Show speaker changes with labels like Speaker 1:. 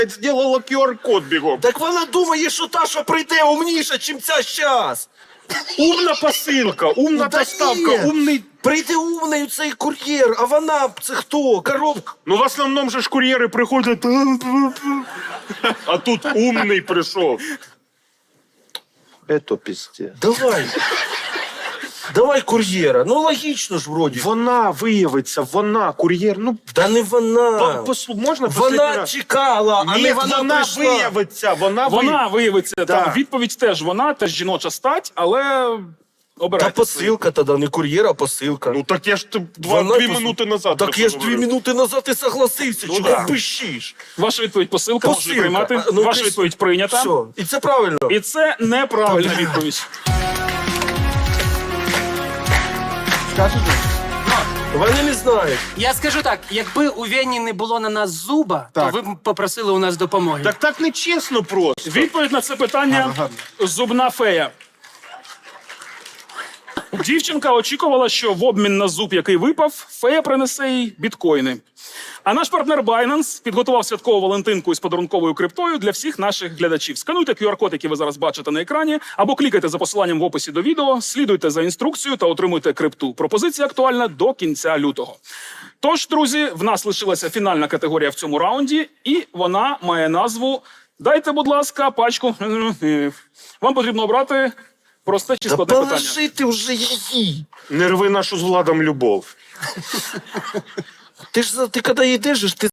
Speaker 1: зробила QR-код бігом.
Speaker 2: Так вона думає, що та, що прийде, умніша, чим ця щас.
Speaker 1: Умна посилка, умна
Speaker 2: Та
Speaker 1: доставка,
Speaker 2: ні.
Speaker 1: умний...
Speaker 2: Прийде умний цей кур'єр, а вона, це хто? Коробка.
Speaker 1: Ну, в основному же ж кур'єри приходять... А тут умний прийшов.
Speaker 2: Это пиздец. Давай. Давай кур'єра. Ну, логічно ж, вроді.
Speaker 1: Вона виявиться, вона, кур'єр, ну...
Speaker 2: Та не вона.
Speaker 1: Можна последній
Speaker 2: Вона
Speaker 1: раз?
Speaker 2: чекала, а
Speaker 1: Ні,
Speaker 2: не вона прийшла.
Speaker 1: виявиться,
Speaker 3: Вона виявиться,
Speaker 1: Да.
Speaker 3: там відповідь теж вона, теж жіноча стать, але
Speaker 2: Та
Speaker 3: обирайте.
Speaker 2: посилка тоді, не кур'єр, а посилка.
Speaker 1: Ну так я ж
Speaker 2: Вона
Speaker 1: 2 минути назад.
Speaker 2: Так
Speaker 1: про
Speaker 2: я
Speaker 1: це
Speaker 2: ж 2
Speaker 1: говорив.
Speaker 2: минути назад і согласився.
Speaker 1: Ну
Speaker 2: Чого
Speaker 1: да.
Speaker 2: пищиш?
Speaker 3: Ваша відповідь посилка, можете
Speaker 2: Посилка.
Speaker 3: приймати.
Speaker 2: Ну,
Speaker 3: Ваша
Speaker 2: ти-
Speaker 3: відповідь прийнята.
Speaker 2: Все. І це правильно.
Speaker 3: І це неправильна відповідь.
Speaker 2: Вони не знають.
Speaker 4: Я скажу так, якби у Вені не було на нас зуба, то ви б попросили у нас допомоги.
Speaker 1: Так нечесно просто.
Speaker 3: Відповідь на це питання зубна фея. Дівчинка очікувала, що в обмін на зуб, який випав, фея принесе їй біткоїни. А наш партнер Binance підготував святкову валентинку із подарунковою криптою для всіх наших глядачів. Скануйте QR-код, який ви зараз бачите на екрані, або клікайте за посиланням в описі до відео, слідуйте за інструкцією та отримуйте крипту. Пропозиція актуальна до кінця лютого. Тож, друзі, в нас лишилася фінальна категорія в цьому раунді, і вона має назву «Дайте, будь ласка, пачку». Вам потрібно обрати просте чи
Speaker 2: Та
Speaker 3: складне питання.
Speaker 2: положи ти вже її.
Speaker 1: Не рви нашу з Владом любов.
Speaker 2: Ти коли йдеш, ти